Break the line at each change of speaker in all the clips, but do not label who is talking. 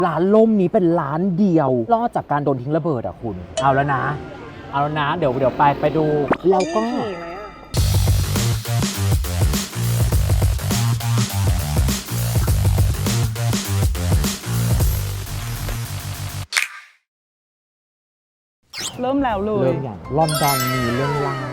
ร้านล่มนี้เป็นร้านเดียวรอดจากการโดนทิ้งระเบิดอ่ะคุณเอาแล้วนะเดี๋ยวไปดูแล้วก็
เริ่มแล้วเลย
เรื่องอย่างลอนดอนมีเรื่องเล่า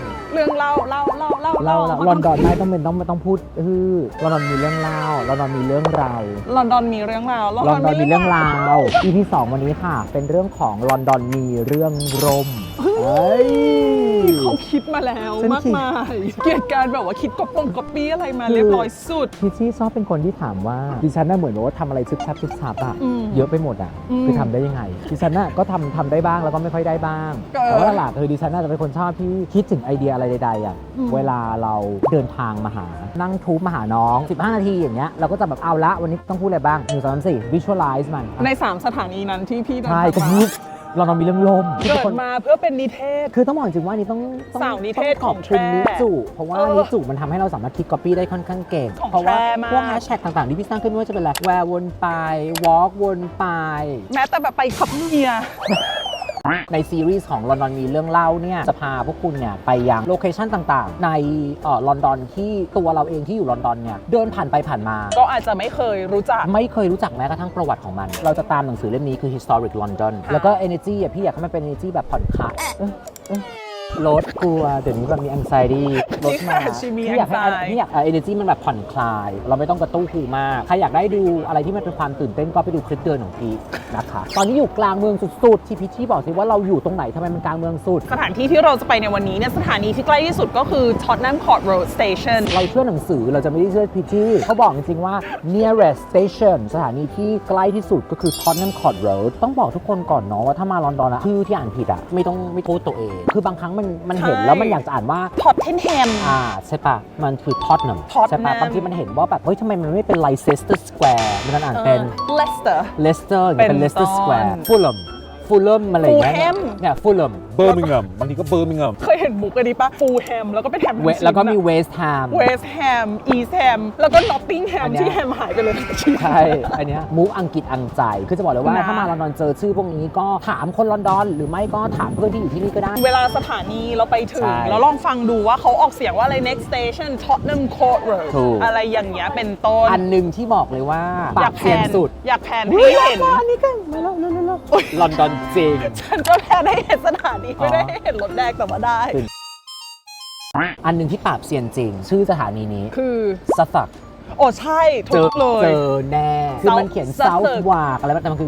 ล
อนดอนไม่ต้องพูดลอนดอนมีเรื่องเล่าลอนดอนมีเรื่องราว
ลอนดอนมีเรื่องราว
ลอนดอนมีเรื่องราว EP 2วันนี้ค่ะเป็นเรื่องของลอนดอนมีเรื่องร่ม
เขาคิดมาแล้วมากมายเกียรติการแบบว่าคิดก๊อปปี้อะไรมาเรียบร้อยสุด
พี่ชี่ชอบเป็นคนที่ถามว่าดิฉันน่ะเหมือนว่าทำอะไรซึบซับอะเยอะไปหมดอะคือทำได้ยังไงดิฉันน่ะก็ทำได้บ้างแล้วก็ไม่ค่อยได้บ้างแต่ว่าหลักๆดิฉันน่าจะเป็นคนชอบที่คิดถึงไอเดียอะไรใดๆอะเวลาเราเดินทางมาหานั่งทูบมาหาน้อง15นาทีอย่างเงี้ยเราก็จะแบบเอาละวันนี้ต้องพูดอะไรบ้าง1 2 3 4 visualize มัน
ใน3สถานีนั้นที่พี่เดิน
ใช่
ทาง
ก็
มา
เรามีเรื่องลม
เกิดมาเพื่อเป็นนิเทศ
คือต้องบอกจริงว่านี่ต้อง
สาวนิเทศ
ขอบคุณนิจุเพราะว่านิจุมันทำให้เราสามารถคิด copy ได้ค่อนข้างเก่งเพราะว่าพวกแฮชแท็กต่างๆที่พี่สร้างขึ้นไม่ว่าจะเป็นอะไร where วนไป walk วนไป
แม้แต่แบบไปขับเมีย
ในซีรีส์ของลอนดอนมีเรื่องเล่าเนี่ยจะพาพวกคุณเนี่ยไปยังโลเคชันต่างๆในลอนดอนที่ตัวเราเองที่อยู่ลอนดอนเนี่ยเดินผ่านไปผ่านมา
ก็อาจจะไม่เคยรู้จัก
แม้กระทั่งประวัติของมันเราจะตามหนังสือเล่มนี้คือ Historic London แล้วก็ energy อ่ะพี่อยากให้มันเป็น energy แบบผ่อนคลายลดกลัวเดี๋ยวนี้แบบมี anxiety ลดมาพี่อยากให้ energy มันแบบผ่อนคลายเราไม่ต้องกระตุ้นหูมากใครอยากได้ดูอะไรที่มันเป็นความตื่นเต้นก็ไปดูคลิปเดินของพี่นะคะตอนนี้อยู่กลางเมืองสุดๆที่พี่ชี่บอกสิว่าเราอยู่ตรงไหนทำไมมันกลางเมืองสุด
สถานที่ที่เราจะไปในวันนี้เนี่ยสถานีที่ใกล้ที่สุดก็คือ Tottenham Court Road Station
เราเชื่อหนังสือเราจะไม่ได้เชื่อพี่ชี่เขาบอกจริงๆว่า nearest station สถานีที่ใกล้ที่สุดก็คือ Tottenham Court Road ต้องบอกทุกคนก่อนเนาะว่าถ้ามาลอนดอนอะชื่อที่อ่านผิดอะไม่โทษตัวเองคือบางครั้งมันเห็นแล้วมันอยากจะอ่านว่า
Tottenham
ใช่ปะมันคือ Tottenham ใช่ปะบางทีมันเห็นว่าแบบเฮ้ยทำไมมันไม่เป็น Leicester Square มันอ่านเป็น Leicester เป็น Leicester Square Fulham อะไรอย่างเงี้ยเนี่ย Fulham Birmingham บางทีก็ Birmingham
เคยเห็นมุกอันนี้ปะ Fulham แล้วก็เป็นแฮม
แล้วก็มี West Ham
East Ham แล้วก็ Nottingham ที่แฮมหายไปเลย
ใช่อันเนี้ยมุกอังกฤษอังใจคือจะบอกเลยว่าถ้ามาลอนดอนเจอชื่อพวกนี้ก็ถามคนลอนดอนหรือไม่ก็ถามเพื่อนที่อยู่ที่นี่ก็ได้
เวลาสถานีเราไปถึงแล้วลองฟังดูว่าเขาออกเสียงว่าอะไร next station Tottenham Court Road อะไรอย่างเงี้ยเป็นต้น
อันนึงที่บอกเลยว่าปากเซียนสุด
อยากแพนให้เห็น
อันนี้กันมาแล้วลอนดอนจริง
ฉันก็แพนให้เห็นสถานีไม่ได้เห็นรถแดงแต่ว่าได้
อันนึงที่ปราบเซียนจริงชื่อสถานีนี้
คือ
ซัฟฟัก
โอ้ใช่ถูกเลย
เจอแน่คือมันเขียน Southwark อะไรแต่มันคือ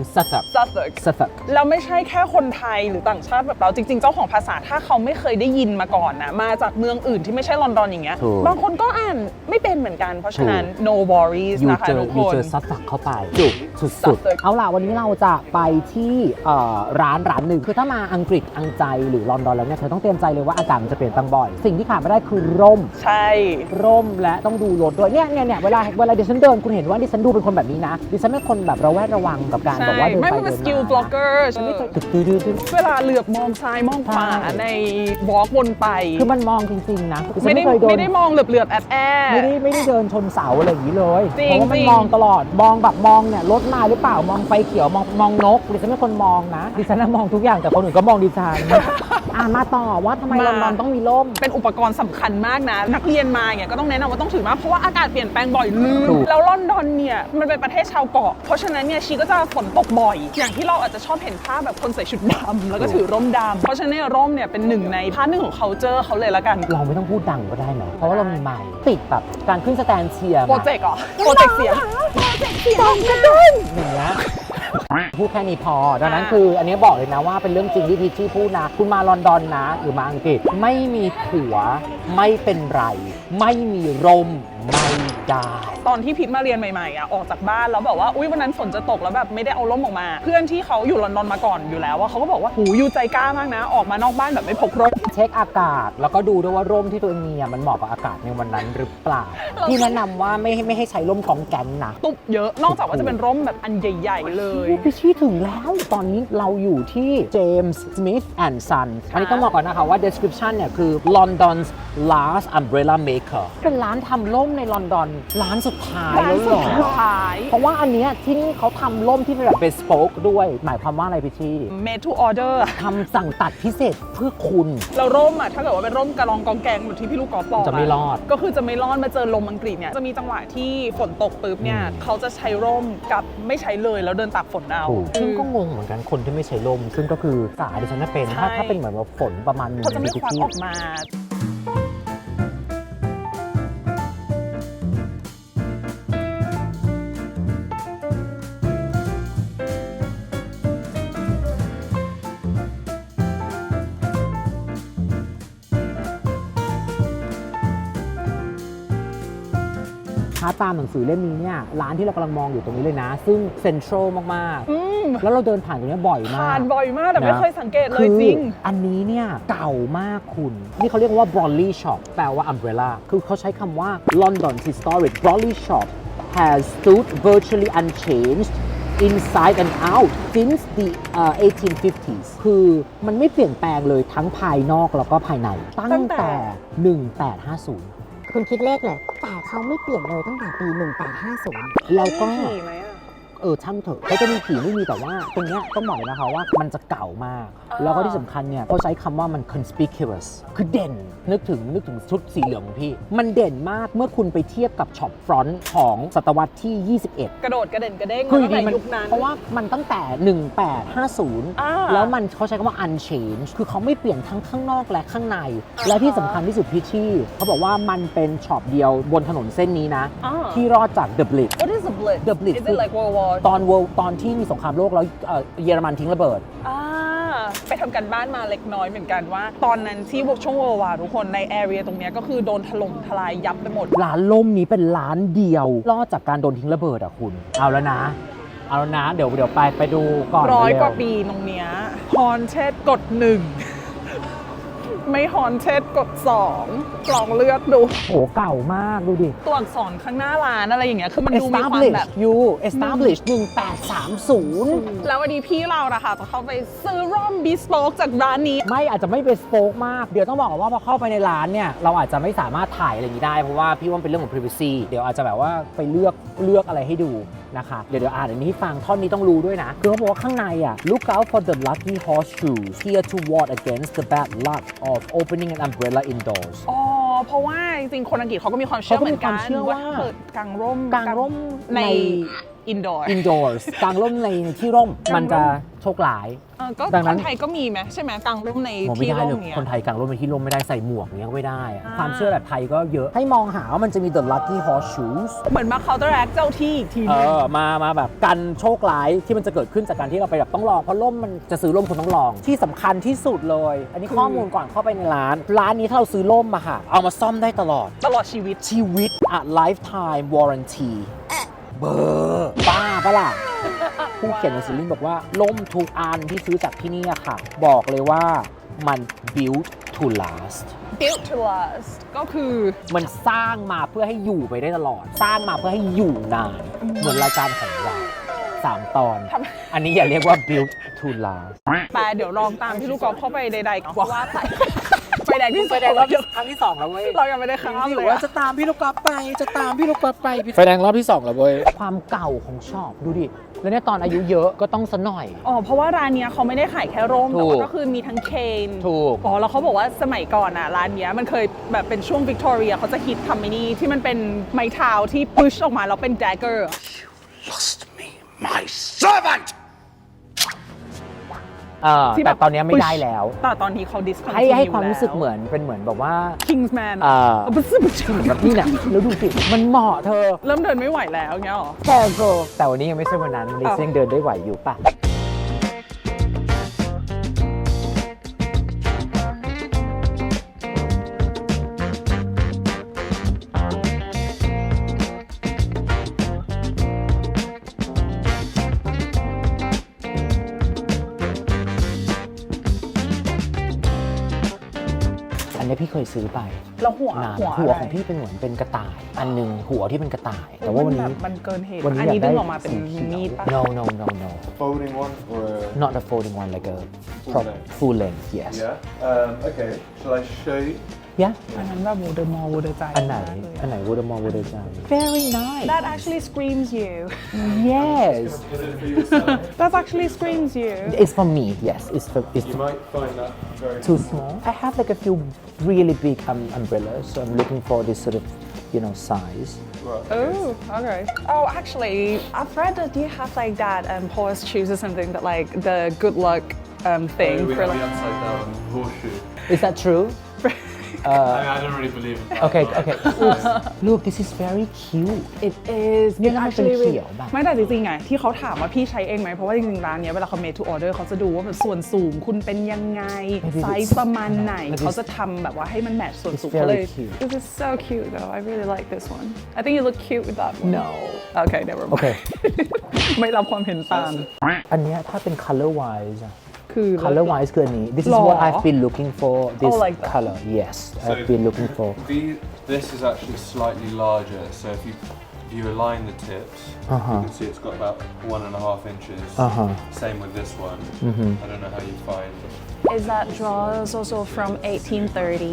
Suffolk
แล้วไม่ใช่แค่คนไทยหรือต่างชาติแบบเราจริงๆเจ้าของภาษาถ้าเขาไม่เคยได้ยินมาก่อนนะมาจากเมืองอื่นที่ไม่ใช่ลอนดอนอย่างเงี้ยบางคนก็อ่านไม่เป็นเหมือนกันเพราะฉะนั้น no worries นะคะทุกคน
เจอ Suffolk เข้าไปจุกสุดๆเอาล่ะวันนี้เราจะไปที่ร้านหนึ่งคือถ้ามาอังกฤษอังใจหรือลอนดอนแล้วเนี่ยเธอต้องเตรียมใจเลยว่าอากาศมันจะเปลี่ยนแปลงบ่อยสิ่งที่ขาดไม่ได้คือร่ม
ใช่
ร่มและต้องดูรถด้วยเนี่ยเวลาดิฉันเดินคุณเห็นว่าดิฉันดูเป็นคนแบบนี้นะดิฉันเป็นคนแบบระแวดระวังกับการบอกว่าเดินไปเดินมา
ไม่เป็น skill blogger ฉันไม่เคยเวลาเหลือบมองซ้ายมองขวาในวอล์กวนไป
คือมันมองจริงๆนะ
ไม่ได้มองเหลือบแอด
ไม่ได้เดินชนเสาอะไรอย่างนี้เลยเพราะว่ามันมองตลอดมองแบบมองเนี่ยรถมาหรือเปล่ามองไฟเขียวมองนกดิฉันเป็นคนมองนะดิฉันมองทุกอย่างแต่คนอื่นก็มองดิฉันมาต่อว่าทำไมลอนดอนต้องมีร่ม
เป็นอุปกรณ์สำคัญมากนะนักเรียนมาเนี่ยก็ต้องแนะนำว่าต้องถือมากเพราะว่าอากาศเปลี่ยนแปลงบ่อยลืมแล้วลอนดอนเนี่ยมันเป็นประเทศชาวเกาะเพราะฉะนั้นเนี่ยชีก็จะฝนตกบ่อยอย่างที่เราอาจจะชอบเห็นภาพแบบคนใส่ชุดดำแล้วก็ถือร่มดำเพราะฉะนั้นร่มเนี่ยเป็นหนึ่งในพาร์ทหนึ่งของ culture เขาเลยละกัน
เราไม่ต้องพูดดังก็ได้ไหมเพราะว่าเรามีไมค์ติดแบบการขึ้นสแตนเชียร์
โปรเจกต์โปรเจกต์เสียง
กระดุนอย่างเงี้ยพูดแค่นี้พอดังนั้นคืออันนี้บอกเลยนะว่าเป็นเรื่องจริงที่พีชชี่พูดนะคุณมาลอนดอนนะหรือมาอังกฤษไม่มีผัวไม่เป็นไรไม่มีร่มไม่ได้
ตอนที่พิมมาเรียนใหม่ๆออกจากบ้านแล้วแบบว่าอุ๊ยวันนั้นฝนจะตกแล้วแบบไม่ได้เอาร่มออกมาเพื่อนที่เขาอยู่ลอนดอนมาก่อนอยู่แล้วเขาก็บอกว่าหูยูใจกล้ามากนะออกมานอกบ้านแบบไม่พกร่ม
เช็คอากาศแล้วก็ดูด้วยว่าร่มที่ตัวเองมีมันเหมาะกับอากาศในวันนั้นหรือเปล่าที่แนะนำว่าไม่ให้ใช้ร่มกองแกนนะ
ตุ๊บเยอะนอกจากว่าจะเป็นร่มแบบอันใหญ่ๆเลย
พี่ชี้ถึงแล้วตอนนี้เราอยู่ที่ James Smith and Son อันนี้ต้องบอกก่อนนะคะว่า description เนี่ยคือ London's last umbrella maker เป็นร้านทำร่มในลอนดอนร้านสุสุดท้าย
ร้าน
แล้วเห
สุ
ร
ด
อ
ท้าย
เพราะว่าอันเนี้ยที่นี่เขาทำร่มที่เป็นแบบ bespoke ด้วย หมายความว่าอะไรพี่ชี่
made to order
ทำสั่งตัดพิเศษเพื่อคุณ
เราร่มอ่ะถ้าเกิดว่าเป็นร่มกระรองกองแกงเหมือนที่พี่ลูกกอล์ฟบอก
จะไม่รอด
ก็คือจะไม่รอดมาเจอลมอังกฤษเนี่ยจะมีจังหวะที่ฝนตกปุ๊บเนี่ยเขาจะใช้ร่มกับไม่ใช้เลยแล้วเดินตากฝนเอา
ถูกซึ่งก็งงเหมือนกันคนที่ไม่ใช้ร่ม ซึ่งก็คือสาดิฉันน่ะเป็น
ใช่
ถ้าเป็นเหมือนว่าฝนประมาณหนึง
เขาจะไม่ควักออกมา
ถ้าตามหนังสือเล่มนี้เนี่ยร้านที่เรากำลังมองอยู่ตรงนี้เลยนะ ซึ่งเซ็นทรัลมาก
อืม
ๆ แล้วเราเดินผ่านตรงนี้บ่อยมาก
ผ่านบ่อยมากแต่ไม่
นะ
เคยสังเกตเลยจริง
คืออันนี้เนี่ยเก่ามากคุณ นี่เขาเรียกว่า Broadley Shop แปลว่า umbrella คือเขาใช้คำว่า London's historic Broadley Shop has stood virtually unchanged inside and out since the 1850s คือมันไม่เปลี่ยนแปลงเลยทั้งภายนอกแล้วก็ภายใน ตั้งแต่ 1850
คุณคิดเลขเลย แต่เขาไม่เปลี่ยนเลยตั้งแต่ปี 1850
แล้วก็
มีผีไหมอะ
ช่างเถอะเขาจะมีผีไม่มีแต่ว่าตรงเนี้ยต้องบอกเลยนะคะว่ามันจะเก่ามาก
อ่า
แล้วก็ที่สำคัญเนี่ยเขาใช้คำว่ามัน conspicuous คือเด่นนึกถึงชุดสีเหลืองของพี่ มันเด่นมากเมื่อคุณไปเทียบกับช็อปฟรอนต์ของศตวรรษที่ 21
กระโดดกระเด่นกระเด้ง
คือ
ตั้งแต่
มัน
ยุคนั้น
เพราะว่ามันตั้งแต่ 1850 แล้วมันเขาใช้คำว่า unchanged คือเขาไม่เปลี่ยนทั้งข้างนอกและข้างใน และที่สำคัญที่สุดพี่ชี่เขาบอกว่ามันเป็นช็อปเดียวบนถนนเส้นนี้นะ
อ่า
ที่รอดจาก The Blitz
What is the Blitz
The Blitz
Is it like World War
ตอนที่มีสงครามโลกแล้วเยอรมันทิ้งระเบิด
ไปทำกันบ้านมาเล็กน้อยเหมือนกันว่า ตอนนั้นที่ช่วงเวอร์วาทุกคนในแอเรียตรงเนี้ยก็คือโดนถล่มทลายยับไปหมด
ร้านล่มนี้เป็นร้านเดียว รอดจากการโดนทิ้งระเบิดอ่ะคุณ เอาแล้วนะ เดี๋ยวไปดูก่อน
ร้อย
เร็
กว่าปีตรงเนี้ยฮอนเชดกด 1 ไม่ฮอนเชดกด 2 ลองเลือกดู
โหเก่ามากดูดิ
ตัวอักษรข้างหน้าร้านอะไรอย่างเงี้ยคือมันดูมีความแบบ
establish 1830
แล้ววันนี้พี่เรานะคะจะเข้าไปซื้อร่มบิสโ k กจากร้านนี้
ไม่อาจจะไม่เป็นสโป๊กมาก เดี๋ยวต้องบอกก่อนว่าพอเข้าไปในร้านเนี่ย เราอาจจะไม่สามารถถ่ายอะไรอย่างนี้ได้ เพราะว่าพี่ว่ามันเป็นเรื่องของ privacy เดี๋ยวอาจจะแบบว่าไปเลือกอะไรให้ดูนะคะ เดี๋ยวอ่านอันนี้ให้ฟังท่อนนี้ต้องรู้ด้วยนะ คือเขาบอกว่าข้างในอ่ะ look out for the lucky horseshoes here to ward against the bad luck of opening an umbrella indoors
อ๋อ เพราะว่าจริงๆคนอังกฤษเขาก็มีความเชื่อเหมือนกัน
เขาก็มีความเชื่อว่า
ถ้เปิดกางร่ม
กางร่ม
ใน
ใน
indoor
indoors กางร่มในที่ร่มมันจะโชคร้าย
ก็
ดังนั้
คน นไทยก็มีไหมใช่ไหมกางร่มใน
มองไม่
ที่
ได้
ร่
เล
ม
ย
เนี้ย
คนไทยกางร่มในที่ร่มไม่ได้ใส่หมวกเนี้ยก็ไม่ได้อะ
อ่า
ความเชื่อแบบไทยก็เยอะ ให้มองหาว่ามันจะมี the lucky horseshoes
เหมือนมา counteract เจ้าที่อีกทีหนึง
มาแบบกันโชคร้ายที่มันจะเกิดขึ้นจากการที่เราไปแบบต้องลองเพราะร่มมันจะซื้อร่มคุณต้องลอง ที่สำคัญที่สุดเลย อันนี้ข้อมูลก่อนเข้าไปในร้านนี้ถ้าเราซื้อร่มมาค่ะ เอามาซ่อมได้ตลอด
ตลอดชีวิต
ชีวิต lifetime warranty เบอร์บ้าปะล่ะ ผู้เขียนหนังสือลิงบอกว่าล่มทุกอันที่ซื้อจากที่นี่อะค่ะ บอกเลยว่ามัน built to last
built to last ก็คือ
มันสร้างมาเพื่อให้อยู่ไปได้ตลอด สร้างมาเพื่อให้อยู่นาน เหมือนรายการของเรา3 ตอน อันนี้อย่าเรียกว่า build to last
แต่เดี๋ยวลองตามพี่ลูกกอล์ฟเข้าไปใดๆก็ว่าไปไฟแดงที่
ไฟแดงรอบครั้งที่2แล้วเว้ย
เรายังไม่ได้ข้าม
ที่
เลย
ว่า
อะ
จะตามพี่ลูกกอล์ฟไปไฟแดงรอบที่2แล้วเว้ยความเก่าของช็อปดูดิแล้วเนี่ยตอนอายุเยอะก็ต้องซะหน่อย
อ๋อ เพราะว่าร้านเนี้ยเขาไม่ได้ขายแค่ร่ม
ถู
แต่
ก
ว่าก็คือมีทั้งเคน
ถูก
อ๋อ แล้วเขาบอกว่าสมัยก่อนอ่ะร้านเนี้ยมันเคยแบบเป็นช่วงวิกตอเรียเขาจะฮิตทำไอ้นี่ที่มันเป็นไม้เท้าที่พุชออกมาแล้วเป็นแดกเกอร์
Lost me, my servant!
ที่
แต่ตอนเนี้ยไม่ได้แล้ว
แต่ตอนนี้เขาดิสคอน
ให้ความรู้สึกเหมือนเป็นเหมือนแบบว่า
Kingsman
แบบนี้เนี่ยแล้วดูสิมันเหมาะเธอ
เริ่มเดินไม่ไหวแล้วเงี้ยหรอ
แต่วันนี้ยังไม่ใช่วันนั้นวันนี้ยังเดินได้ไหวอยู่ป่ะ อันนี้พี่เคยซื้อไป
แล้วหัวน
าน
หัว
ของพี่เป็นเหมือนเป็นกระต่าย อันหนึงหัวที่เป็นกระต่าย แต่ว่าวันนี้
มันเกินเหตุ
วันนี้
อันนี้
อยากได้
ดึงออกมาเป็น
สีเขียว
มีดป่ะ
no
Folding one or a
not a folding one like a
Full length.
full length yes
yeah? Okay. Shall I show you?
yeah
อันนั้นแบบวูเดอร์มอลวูเดอร์ใจ
อันไหนวูดมอวูดใจ very nice
That actually screams you
yes
That actually screams you
it's for me yes it's
You might find that very
too small I have like a few really big umbrellas so I'm looking for this sort of size
Oh, okay. Oh, actually, I've read that you have like that horse shoes or something that like the good luck thing
we
for
have the
like.
upside down horseshoe.
is that true
I don't really believe in that.
okay Oops. Look this is very cute
It is.
เนี่ยมันเป็นเขียวแบบ
ไม่แต่จริงๆไงที่เขาถามว่าพี่ใช้เองไหมเพราะว่าจริงๆร้านเนี้ยเวลาเขา made to order เขาจะดูว่าแบบส่วนสูงคุณเป็นยังไง ไซส์ประมาณไหน เขาจะทำแบบว่าให้มันแมทช์ส่วนสูง
It's very
เขาเลย
cute.
This is so cute though I really like this one I think you look cute with that one
No
Okay never mind
Okay
ไม่รับความเห็นต่าง
อันเนี้ยถ้าเป็น color wise อะ
คือ
color wise คืออันนี้ this is
หรอ
what I've been looking for this
Oh, like that.
color yes I've been looking for
This is actually slightly larger, so if you align the tips, you can see it's got about 1.5 inches. Same with this one. I don't know how you find.
Is that drawers also from 1830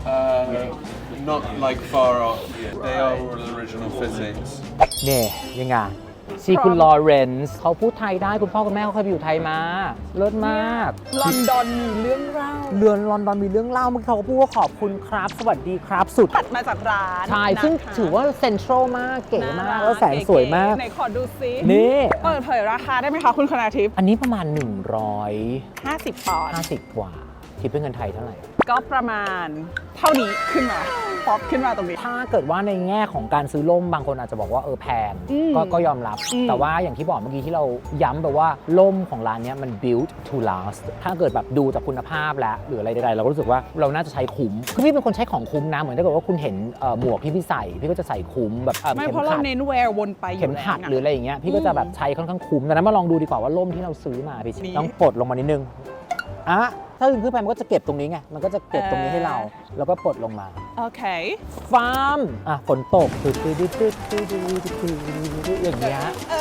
Not like far off. They are all original fittings.
เนี่ยยังไงชีคุณลอเรนซ์เขาพูดไทยได้คุณพ่อคุณแม่เขาเคยไปอยู่ไทยมาเลิศมาก
ลอนดอนมีเรื่องเล่า
เรือนลอนดอนมีเรื่องเล่าเมื่อกี้เขาก็พูดว่าขอบคุณครับสวัสดีครับสุด
ตัดมาจากร้าน
ใช่ซึ่ง
นะคะ
ถือว่าเซ็นทรัลมากเก๋มาก
น่รั
แล้วแสงสวยมาก
ไหนขอดูซิ
นี่
เปิดเผยราคาได้ไหมคะคุณคณาทิพย์
อันนี้ประมาณ
50 ปอนด์
150 กว่าคิดเป็นเงินไทยเท่าไหร่
ก็ประมาณเท่านี้ขึ้นมาป๊อปขึ้นมาตรงนี้
ถ้าเกิดว่าในแง่ของการซื้อล่มบางคนอาจจะบอกว่าแพงก็ยอมรับ แต่ว่าอย่างที่บอกเมื่อกี้ที่เราย้ำแบบว่าล่มของร้านนี้มัน built to last ถ้าเกิดแบบดูจากคุณภาพแล้วหรืออะไรใดๆเราก็รู้สึกว่าเราน่าจะใช้คุ้มคือพี่เป็นคนใช้ของคุ้มนะเหมือนถ้าเกิดว่าคุณเห็นหมวกที่พี่ใส่พี่ก็จะใส่คุ้มแบบ
ไม่
เข็
เพ
ม
ราะเรา
ขัด
เน้นแวร์วนไปอยู่
เข็มขัดหรืออะไรอย่างเงี้ยพี่ก็จะแบบใช้ค่อนข้างคุ้มแต่นั้นมาลองดูดีกว่าว่าล่มที่เราซื้อมาพี่ต้องปลดลงมานิดนึงอ่ะถ้าขึ้นไปมันก็จะเก็บตรงนี้ไงมันก็จะเก็บตรงนี้ให้เราแล้วก็ปลดลงมา
โอเค
ฟาร์มฝนตกอย่างเงี้ย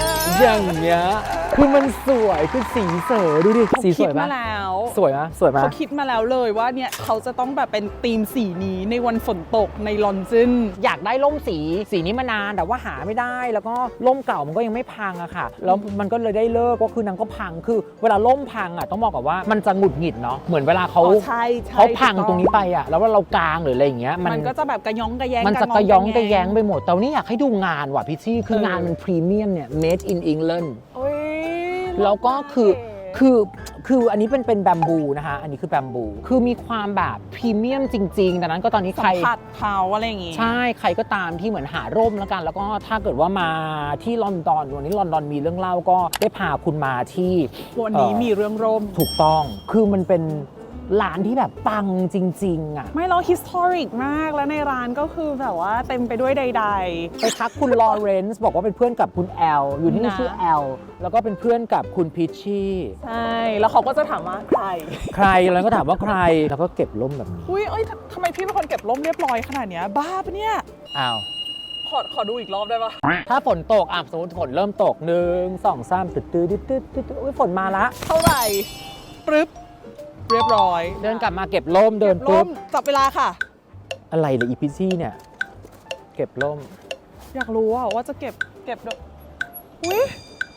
คือมันสวยคือสีเสอดูดิสีส
คิด
วย
มา
ปะ
แล้ว
สวยไหมสวยไหม
เขาคิดมาแล้วเลยว่าเนี่ยเขาจะต้องแบบเป็นธีมสีนี้ในวันฝนตกในลอนดอน
อยากได้ร่มสีนี้มานานแต่ว่าหาไม่ได้แล้วก็ร่มเก่ามันก็ยังไม่พังอะค่ะแล้วมันก็เลยได้เลิกก็คือนางก็พังคือเวลาร่มพังอะต้องบอกก่อนว่ามันจะหงุดหงิดเนาะเหมือนเวลาเขา
ใช่
เขาพังตรงนี้ไปอะแล้วว่าเรากางหรืออะไรอย่างเงี้ย
มันก็จะแบบกระย้องกระแยง
มันจะกระย้องกระแยงไปหมดแต่วันนี้อยากให้ดูงานว่ะพี่ชี่คืองานมันพรีเมียมเนี่ย made in England
โอ้ย
แล้วก็คืออันนี้เป็นแบมบูนะคะอันนี้คือแบมบูคือมีความแบบพรีเมียมจริงๆดังนั้นก็ตอนนี้ใคร
สัมผัสเขาอะไรอย่างงี้
ใช่ใครก็ตามที่เหมือนหาร่มแล้วกัน แล้วก็ถ้าเกิดว่ามาที่ลอนดอนวันนี้ลอนดอนมีเรื่องเล่าก็ได้พาคุณมาที่
วันนี้มีเรื่องร่ม
ถูกต้องคือมันเป็นร้านที่แบบปังจริงๆอ่ะ
ไม่เรา historic มากแล้วในร้านก็คือแบบว่าเต็มไปด้วยใด
ไปทักคุณลอเรนซ์บอกว่าเป็นเพื่อนกับคุณแอลอยู่ที่นี่
นะ
ชื่อแอลแล้วก็เป็นเพื่อนกับคุณพิชชี่
ๆ ใช่ แล้วเขาก็จะถามว่าใคร
ใครแล้วก็ถามว่าใครแล้วก็เก็บร่มแบบนี้
อุ้ยเอ้ยทำไมพี่เป็นคนเก็บร่มเรียบร้อยขนาดเนี้ยบ้าปะเนี่ย
อ้าว
ขอดูอีกรอบได้ปะ
ถ้าฝนตกสมมติฝนเริ่มตก1 2 3ตึ๊ดอุ้ยฝนมาละ
เท่าไหร่ปึ๊บเรียบร้อย
เดินกลับมาเก็บร่มเดิน
ร่
ปุ๊บ
มจับเวลาค่ะ
อะไรเลยอีพิชชี่เนี่ยเก็บร่ม
อยากรู้ว่าจะเก็บดอกอุ้ย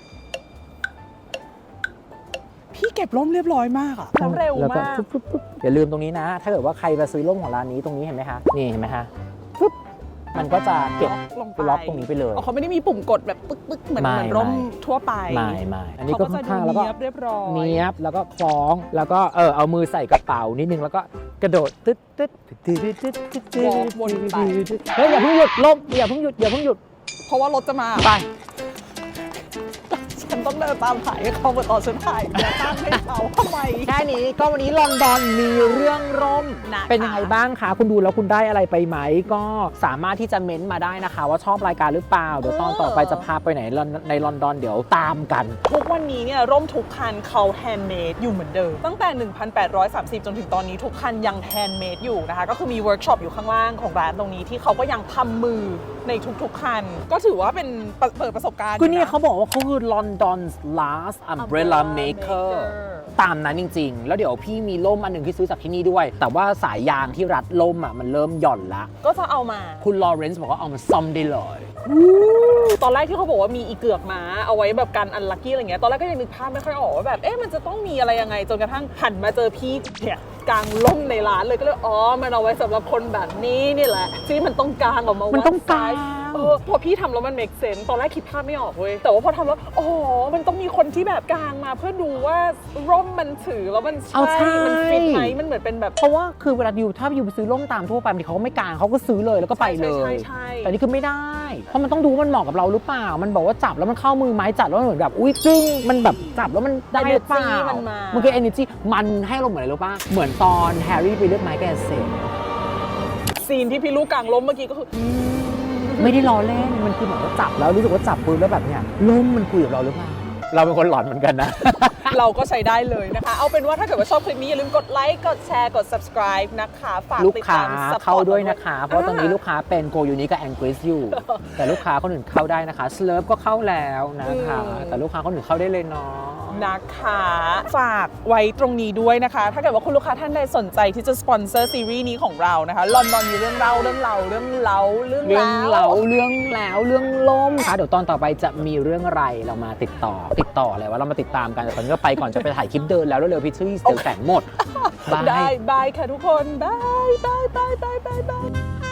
พี่เก็บร่มเรียบร้อยมากอะแล้วเร็ว
แล้วก็
มาก
ปุ๊บอย่าลืมตรงนี้นะ ถ้าเกิดว่าใครมาซื้อร่มของร้านนี้ตรงนี้เห็นไหมคะนี่เห็นไหมคะปุ๊บมันก็จะเก็บ
ลงไป
ล็อกตรงนี้ไปเลย
อ๋อเขาไม่ได้มีปุ่มกดแบบปึ๊กเหมือน
ไม่
ร่ม
ไม่
ทั่วไป
ไม่อันนี้ก็ค่อนข้างแล้วก็
เรียบร้อย
เนียบแล้วก็คล้องแล้วก็เอามือใส่กระเป๋านิดนึงแล้วก็กระโดดตึ๊ดเฮ้ยอย่าเพิ่งหยุดร่มอย่าเพิ่งหยุด
เพราะว่ารถจะมา
ไป
ฉันต้องเดินตามถ่ายให้เขาเหมือนตอนฉันถ่ายอย่าตั้งให้เขาทำไม
แค่นี้ก็วันนี้ลอนดอนมีเรื่องร่ม
นะคะ
เป็นยังไงบ้างคะคุณดูแล้วคุณได้อะไรไปไหมก็สามารถที่จะเม้นต์มาได้นะคะ ว่าชอบรายการหรือเปล่าเดี๋ยวตอนต่อไปจะพาไปไหนในลอนดอนเดี๋ยวตามกัน
ทุกวันนี้เนี่ยร่มทุกคันเขาแฮนด์เมดอยู่เหมือนเดิมตั้งแต่ 1,830 จนถึงตอนนี้ทุกคันยังแฮนด์เมดอยู่นะคะก็คือมีเวิร์กช็อปอยู่ข้างล่างของร้านตรงนี้ที่เขาก็ยังทำมือในทุกๆคัน ก็ถือว่าเป็นเปิดประสบการณ์
คือนี่
ะ
เขาบอกว่าเขาคือลอนด London's last umbrella maker ตามนั้นจริงๆ แล้วเดี๋ยวพี่มีล่มอันหนึ่งที่ซื้อจากที่นี่ด้วย แต่ว่าสายยางที่รัดล่มอ่ะมันเริ่มหย่อนละ
ก็จะเอามา
คุณลอเรนซ์บอกว่าเอามาซ่อมได้เลย
ตอนแรกที่เขาบอกว่ามีอีเกือกม้าเอาไว้แบบกันอันลัคกี้อะไรเงี้ยตอนแรกก็ยังนึกภาพไม่ค่อยออกว่าแบบมันจะต้องมีอะไรยังไงจนกระทั่งหันมาเจอพี่เนี่ยกางล่มในร้านเลยก็เลยมันเอาไว้สำหรับคนแบบนี้นี่แหละที่มันต้องกางออกมามัน
ต้องกาง
พอพี่ทำแล้วมัน make sense ตอนแรกคิดภาพไม่ออกเว้ยแต่ว่าพอทำแล้วมันต้องมีคนที่แบบกางมาเพื่อดูว่าร่มมันถือแล้วมันใช่มันฟิตไหมมันเหมือนเป็นแบบ
เพราะว่าคือเวลาถ้าอยู่ไปซื้อร่มตามทั่วไปบางทีเขาก็ไม่กางเขาก็ซื้อเลยแล้วก็ไปเลย
ใช่
แต่นี่คือไม่ได้ เพราะมันต้องดูว่ามันเหมาะกับเราหรือเปล่า มันบอกว่าจับแล้วมันเข้ามือไม้จับแล้วมันเหมือนแบบอุ้ยจึ้งมันแบบจับแล้วมันได้หรือเปล่า
มันมา
มันคือ energy มันให้เราเหมือนอะไรรู้ป่ะเหมือนตอนแฮร์รี่ไปเลือกไม้แกเซ่
ซีนที่พี่ลูกกางล้มเมื่อกี้ก็คือ
ไม่ได้ล้อเล่นมันคือเหมือนว่าจับแล้วรู้สึกว่าจับปืนแล้วแบบเนี้ยล่มมันคุยกับเราหรือเปล่าเราเป็นคนหลอนเหมือนกันนะ
เราก็ใช้ได้เลยนะคะ เอาเป็นว่าถ้าเกิดว่าชอบคลิปนี้อย่าลืมกดไลค์กดแชร์กด subscribe นะคะฝาก
ลูก
ติด
ค้า
ตาม support
เข้าด้วยนะคะ เพราะตอนนี้ลูกค้าเป็นโกยูนิกับแองกฤษอยู่ แต่ลูกค้าคนอื่นเข้าได้นะคะสเลิฟก็เข้าแล้วนะคะ แต่ลูกค้าคนอื่นเข้าได้เลยเนาะ
นะคะฝากไว้ตรงนี้ด้วยนะคะ ถ้าเกิดว่าคุณลูกค้าท่านใดสนใจที่จะสปอนเซอร์ซีรีส์นี้ของเรานะคะลอนดอนมีเรื่องเล่าเรื่องล่ม
ค่ะเดี๋ยวตอนต่อไปจะมีเรื่องอะไรเรามาติดต่ออะไรว่าเรามาติดตามกันแต่ตอนนี้ก็ไปก่อนจะไปถ่ายคลิปเดินแล้วเร็วๆพิชชี่เดี๋ยวแสงหมด
ได้บายค่ะทุกคนบาย